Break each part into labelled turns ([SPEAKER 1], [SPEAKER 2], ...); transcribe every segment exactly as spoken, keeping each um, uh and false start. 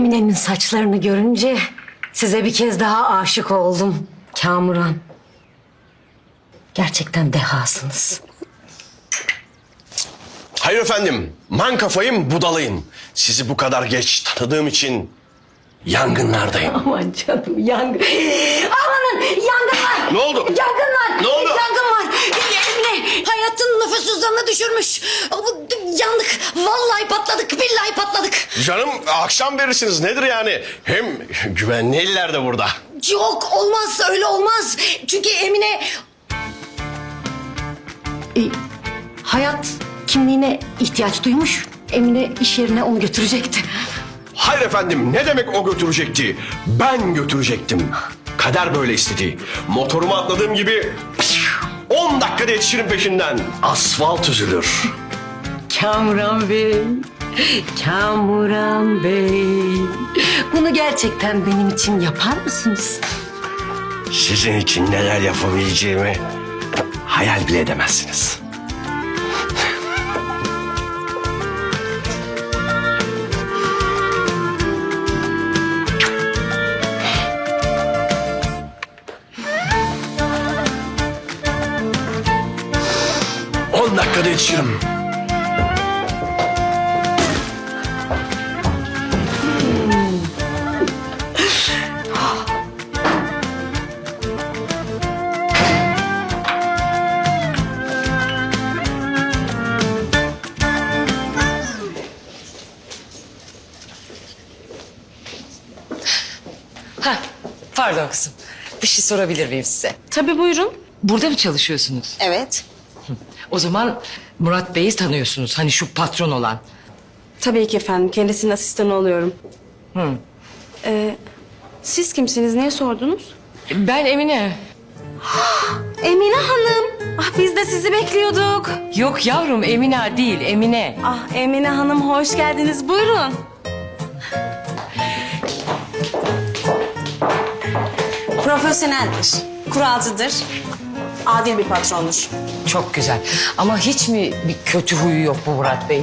[SPEAKER 1] Emine'nin saçlarını görünce size bir kez daha aşık oldum. Kamuran. Gerçekten dehasınız.
[SPEAKER 2] Hayır efendim, man kafayım budalayın. Sizi bu kadar geç tanıdığım için yangınlardayım.
[SPEAKER 1] Aman canım yangın. Amanın yangın var.
[SPEAKER 2] Ne oldu?
[SPEAKER 1] Yangın var.
[SPEAKER 2] Ne oldu?
[SPEAKER 1] Yangın var. Emine hayatın nüfusuzlarını düşürmüş. Yandık. Vallahi patladık. Billahi patladık.
[SPEAKER 2] Canım akşam verirsiniz nedir yani? Hem güvenli eller de burada.
[SPEAKER 1] Yok olmaz öyle olmaz. Çünkü Emine... E, hayat kimliğine ihtiyaç duymuş. Emine iş yerine onu götürecekti.
[SPEAKER 2] Hayır efendim, ne demek o götürecekti? Ben götürecektim. Kader böyle istedi. Motoruma atladığım gibi on dakikada yetişirim peşinden. Asfalt üzülür.
[SPEAKER 1] Kamuran Bey, Kamuran Bey. Bunu gerçekten benim için yapar mısınız?
[SPEAKER 2] Sizin için neler yapabileceğimi hayal bile edemezsiniz. On dakikada yetişirim.
[SPEAKER 3] Ha, pardon kızım. Bir şey sorabilir miyim size?
[SPEAKER 4] Tabii buyurun.
[SPEAKER 3] Burada mı çalışıyorsunuz?
[SPEAKER 4] Evet.
[SPEAKER 3] O zaman Murat Bey'i tanıyorsunuz. Hani şu patron olan.
[SPEAKER 4] Tabii ki efendim. Kendisinin asistanı oluyorum.
[SPEAKER 3] Hı.
[SPEAKER 4] Ee, siz kimsiniz? Niye sordunuz?
[SPEAKER 3] Ben Emine.
[SPEAKER 4] Emine Hanım. Ah biz de sizi bekliyorduk.
[SPEAKER 3] Yok yavrum Emine değil, Emine.
[SPEAKER 4] Ah Emine Hanım hoş geldiniz. Buyurun. Profesyoneldir. Kuralcıdır. Adil bir patrondur.
[SPEAKER 3] Çok güzel. Ama hiç mi bir kötü huyu yok bu Murat Bey?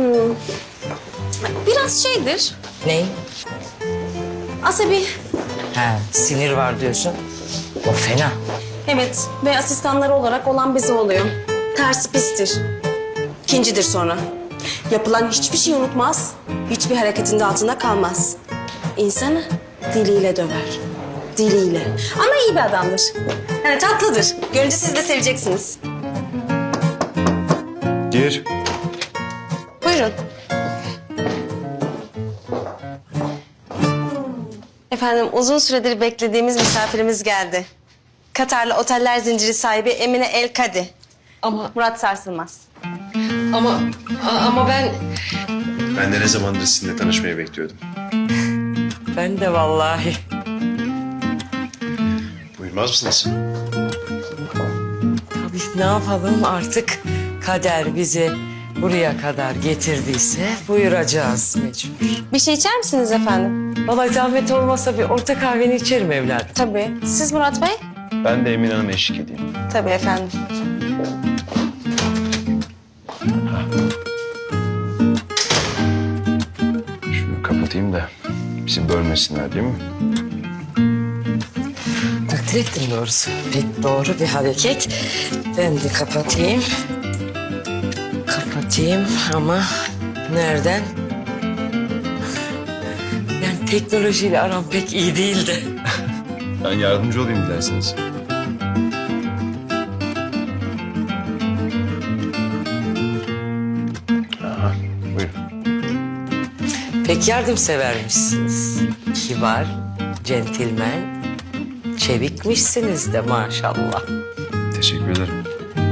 [SPEAKER 4] Biraz şeydir.
[SPEAKER 3] Ne?
[SPEAKER 4] Asabi.
[SPEAKER 3] Ha, sinir var diyorsun. O fena.
[SPEAKER 4] Evet ve asistanları olarak olan bize oluyor. Tersi pistir. İkincidir sonra. Yapılan hiçbir şey unutmaz, hiçbir hareketin de altında kalmaz. İnsanı diliyle döver. Diliyle. Ama iyi bir adamdır. Yani tatlıdır. Görünce siz de seveceksiniz.
[SPEAKER 2] Gir.
[SPEAKER 4] Buyurun. Efendim uzun süredir beklediğimiz misafirimiz geldi. Katarlı oteller zinciri sahibi Emine El Kadi.
[SPEAKER 3] Ama
[SPEAKER 4] Murat Sarsılmaz.
[SPEAKER 3] ama ama ben
[SPEAKER 5] Ben de ne zamandır sizinle tanışmayı bekliyordum.
[SPEAKER 3] ben de vallahi.
[SPEAKER 5] Buyurmaz mısınız?
[SPEAKER 3] Tabii ne yapalım artık kader bizi buraya kadar getirdiyse buyuracağız mecbur.
[SPEAKER 4] Bir şey içer misiniz efendim?
[SPEAKER 3] Vallahi zahmet olmasa bir orta kahveni içerim evladım.
[SPEAKER 4] Tabii. Siz Murat Bey?
[SPEAKER 5] Ben de Emine Hanım'a eşlik edeyim.
[SPEAKER 4] Tabii efendim.
[SPEAKER 5] Şunu kapatayım da bizi bölmesinler değil mi?
[SPEAKER 3] Takdir ettim doğrusu. Pek doğru bir hareket. Ben de kapatayım. Kapatayım ama nereden? Yani teknolojiyle aram pek iyi değildi.
[SPEAKER 5] Ben yardımcı olayım dilerseniz. Aha, buyurun.
[SPEAKER 3] Pek yardımsevermişsiniz. Kibar, centilmen, çevikmişsiniz de maşallah.
[SPEAKER 5] Teşekkür ederim.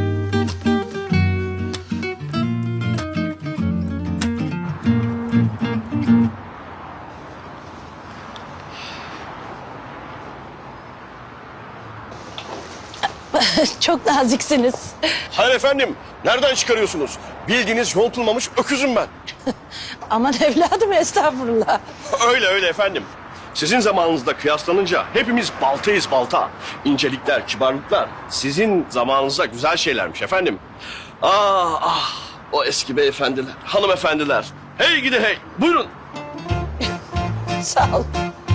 [SPEAKER 6] Çok naziksiniz.
[SPEAKER 2] Hayır efendim, nereden çıkarıyorsunuz? Bildiğiniz yontulmamış öküzüm ben.
[SPEAKER 6] Aman evladım estağfurullah.
[SPEAKER 2] Öyle öyle efendim. Sizin zamanınızda kıyaslanınca hepimiz baltayız balta. İncelikler, kibarlıklar sizin zamanınızda güzel şeylermiş efendim. Ah ah o eski beyefendiler, hanımefendiler. Hey gidi hey, buyurun.
[SPEAKER 6] Sağ ol.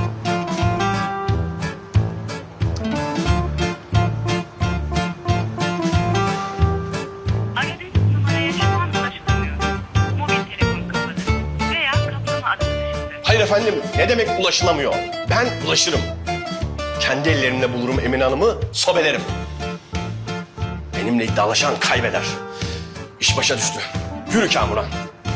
[SPEAKER 7] Aradığınız numaraya şu an ulaşılamıyor. Mobil telefon kapalı veya kaplama adı dışında.
[SPEAKER 2] Hayır efendim, ne demek ulaşılamıyor? Ben ulaşırım. Kendi ellerimle bulurum Emine Hanım'ı, sobelerim. Benimle iddialaşan kaybeder. İş başa düştü. Yürü Kamuran.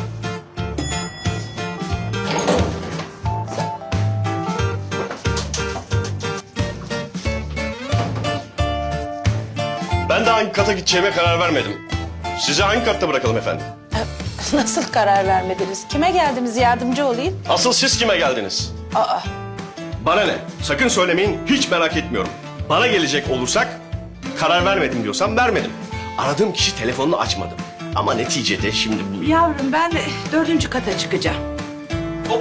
[SPEAKER 2] Ben de hangi kata gideceğime karar vermedim. Sizi hangi katta bırakalım efendim?
[SPEAKER 6] Nasıl karar vermediniz? Kime geldiniz yardımcı olayım?
[SPEAKER 2] Asıl siz kime geldiniz?
[SPEAKER 6] Aa,
[SPEAKER 2] Bana ne? Sakın söylemeyin, hiç merak etmiyorum. Bana gelecek olursak, karar vermedim diyorsam vermedim. Aradığım kişi telefonunu açmadı. Ama neticede şimdi bu...
[SPEAKER 6] yavrum ben de dördüncü kata çıkacağım.
[SPEAKER 2] Hop.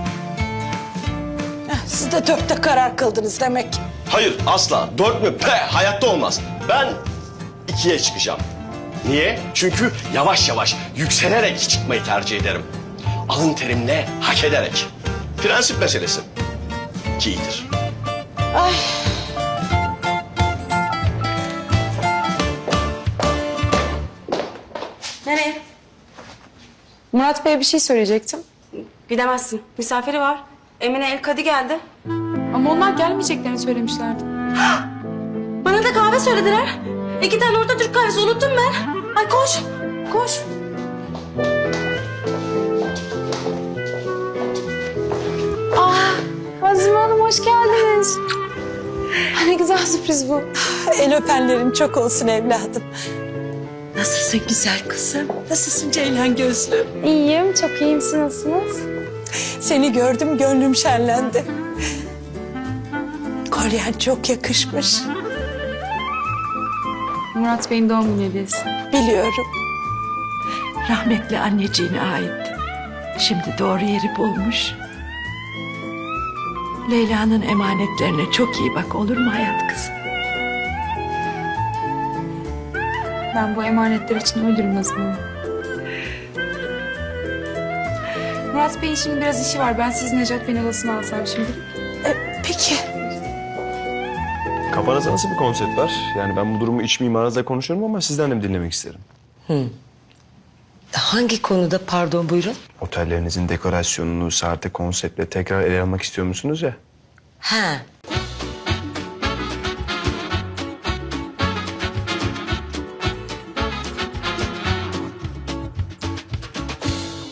[SPEAKER 6] Heh, siz de dörtte karar kıldınız demek.
[SPEAKER 2] Hayır, asla. Dört mü? Pe, hayatta olmaz. Ben ikiye çıkacağım. Niye? Çünkü yavaş yavaş, yükselerek çıkmayı tercih ederim. Alın terimle, hak ederek. Prensip meselesi. İki iyidir.
[SPEAKER 6] Ay.
[SPEAKER 4] Nereye?
[SPEAKER 8] Murat Bey'e bir şey söyleyecektim.
[SPEAKER 4] Gidemezsin. Misafiri var. Emine El Kadi geldi.
[SPEAKER 8] Ama onlar gelmeyeceklerini söylemişlerdi.
[SPEAKER 4] Bana da kahve söylediler. İki tane orta Türk kahvesi unuttum ben. Ay koş. Koş.
[SPEAKER 8] Azime Hanım hoş geldiniz. Ne güzel sürpriz bu.
[SPEAKER 6] El öpenlerin çok olsun evladım.
[SPEAKER 3] Nasılsın güzel kızım? Nasılsın Ceylan gözlüm?
[SPEAKER 8] İyiyim, çok iyiyim. Siz nasılsınız?
[SPEAKER 6] Seni gördüm gönlüm şenlendi. Kolyen çok yakışmış.
[SPEAKER 8] Murat Bey'in doğum günü hediyesi.
[SPEAKER 6] Biliyorum.
[SPEAKER 9] Rahmetli anneciğine aitti. Şimdi doğru yeri bulmuş. Leyla'nın emanetlerine çok iyi bak, olur mu hayat kızım?
[SPEAKER 8] Ben bu emanetler için ölürüm Azime Hanım. Murat Bey'in şimdi biraz işi var. Ben sizin Necat Bey'in odasına alsam şimdi.
[SPEAKER 6] E, peki.
[SPEAKER 5] Kafanızda nasıl bir konsept var? Yani ben bu durumu iç mimarınızla konuşuyorum ama sizden de dinlemek isterim.
[SPEAKER 3] Hangi konuda pardon buyurun?
[SPEAKER 5] Otellerinizin dekorasyonunu, saate konseptle tekrar ele almak istiyor musunuz ya?
[SPEAKER 3] Ha